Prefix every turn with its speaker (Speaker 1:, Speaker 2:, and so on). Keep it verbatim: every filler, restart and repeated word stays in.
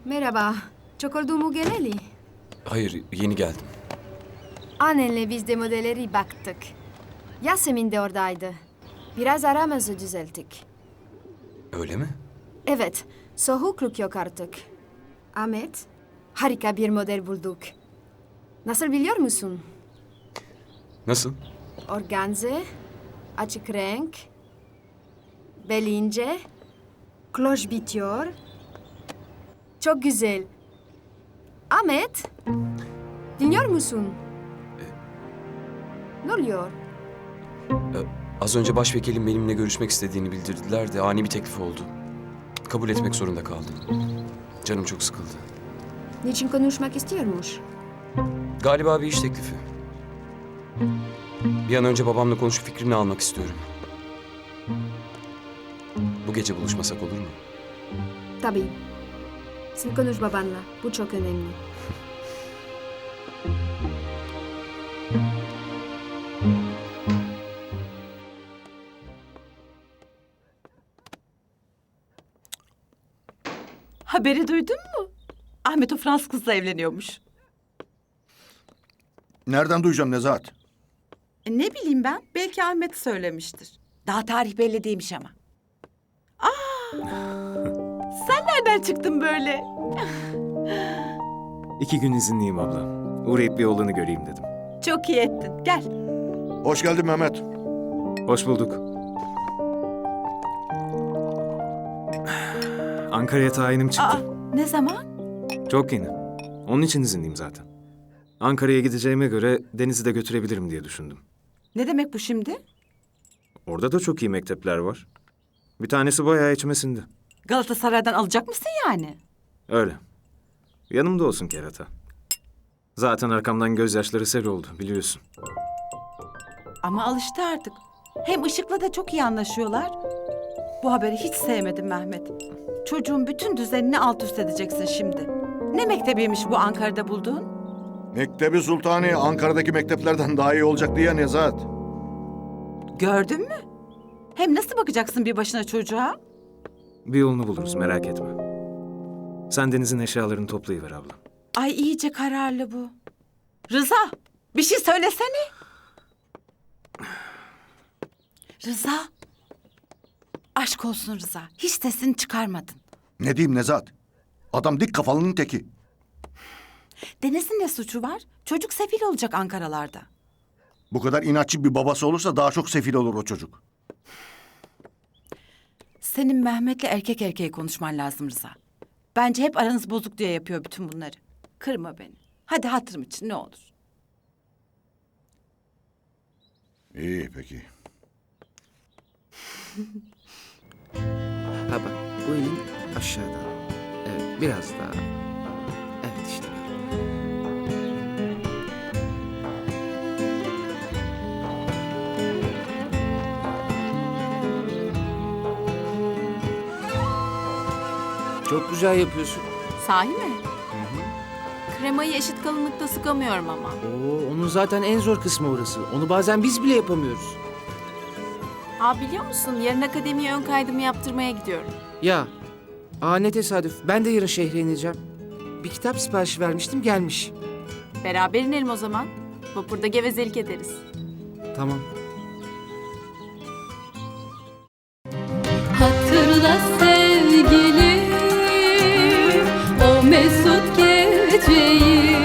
Speaker 1: Merhaba. Çok oldu mu geleli?
Speaker 2: Hayır, yeni geldim.
Speaker 1: Annenle biz de modelleri baktık. Yasemin de oradaydı. Biraz aramızı düzelttik.
Speaker 2: Öyle mi?
Speaker 1: Evet, soğukluk yok artık. Ahmet, harika bir model bulduk. Nasıl biliyor musun?
Speaker 2: Nasıl?
Speaker 1: Organze, açık renk, bel ince, kloş bitiyor. Çok güzel. Ahmet, dinliyor musun? Ne oluyor?
Speaker 2: Ee, az önce başvekilim benimle görüşmek istediğini bildirdiler de ani bir teklif oldu. Kabul etmek zorunda kaldım. Canım çok sıkıldı.
Speaker 1: Niçin konuşmak istiyormuş?
Speaker 2: Galiba bir iş teklifi. Bir an önce babamla konuşup fikrini almak istiyorum. Bu gece buluşmasak olur mu?
Speaker 1: Tabii. Sen konuş babanla. Bu çok önemli.
Speaker 3: Haberi duydun mu? Ahmet o Fransız kızla evleniyormuş.
Speaker 4: Nereden duyacağım Nezahat?
Speaker 3: E, ne bileyim ben, belki Ahmet söylemiştir. Daha tarih belli değilmiş ama. Aa! Sen nereden çıktın böyle?
Speaker 5: İki gün izinliyim abla. Uğrayıp bir oğlanı göreyim dedim.
Speaker 3: Çok iyi ettin. Gel.
Speaker 4: Hoş geldin Mehmet.
Speaker 5: Hoş bulduk. Ankara'ya tayinim çıktı.
Speaker 3: Aa, ne zaman?
Speaker 5: Çok yeni. Onun için izinliyim zaten. Ankara'ya gideceğime göre Deniz'i de götürebilirim diye düşündüm.
Speaker 3: Ne demek bu şimdi?
Speaker 5: Orada da çok iyi mektepler var. Bir tanesi bayağı içime sindi.
Speaker 3: Galatasaray'dan alacak mısın yani?
Speaker 5: Öyle. Yanımda olsun kerata. Zaten arkamdan gözyaşları sel oldu biliyorsun.
Speaker 3: Ama alıştı artık. Hem Işık'la da çok iyi anlaşıyorlar. Bu haberi hiç sevmedim Mehmet. Çocuğun bütün düzenini alt üst edeceksin şimdi. Ne mektebiymiş bu Ankara'da bulduğun?
Speaker 4: Mektebi Sultani Ankara'daki mekteplerden daha iyi olacaktı ya Nezahat.
Speaker 3: Gördün mü? Hem nasıl bakacaksın bir başına çocuğa?
Speaker 5: Bir yolunu buluruz merak etme. Sen Deniz'in eşyalarını toplayıver abla.
Speaker 3: Ay iyice kararlı bu. Rıza, bir şey söylesene. Rıza. Aşk olsun Rıza. Hiç sesini çıkarmadın.
Speaker 4: Ne diyeyim Nezahat? Adam dik kafalının teki.
Speaker 3: Deniz'in ne suçu var? Çocuk sefil olacak Ankaralarda.
Speaker 4: Bu kadar inatçı bir babası olursa daha çok sefil olur o çocuk.
Speaker 3: Senin Mehmet'le erkek erkeğe konuşman lazım Rıza. Bence hep aranız bozuk diye yapıyor bütün bunları. Kırma beni. Hadi hatırım için ne olur.
Speaker 4: İyi peki.
Speaker 6: Ha bak bu elin aşağıda. Evet biraz daha. Evet işte. Çok güzel yapıyorsun.
Speaker 7: Sahi mi? Kremayı eşit kalınlıkta sıkamıyorum ama.
Speaker 6: Oo, onun zaten en zor kısmı orası. Onu bazen biz bile yapamıyoruz.
Speaker 7: Aa biliyor musun? Yarın akademiye ön kaydımı yaptırmaya gidiyorum.
Speaker 6: Ya, aa ne tesadüf. Ben de yarın şehre ineceğim. Bir kitap siparişi vermiştim gelmiş.
Speaker 7: Beraber inelim o zaman. Vapurda gevezelik ederiz.
Speaker 6: Tamam.
Speaker 8: Hatırla sevgilim o mesut geceyi.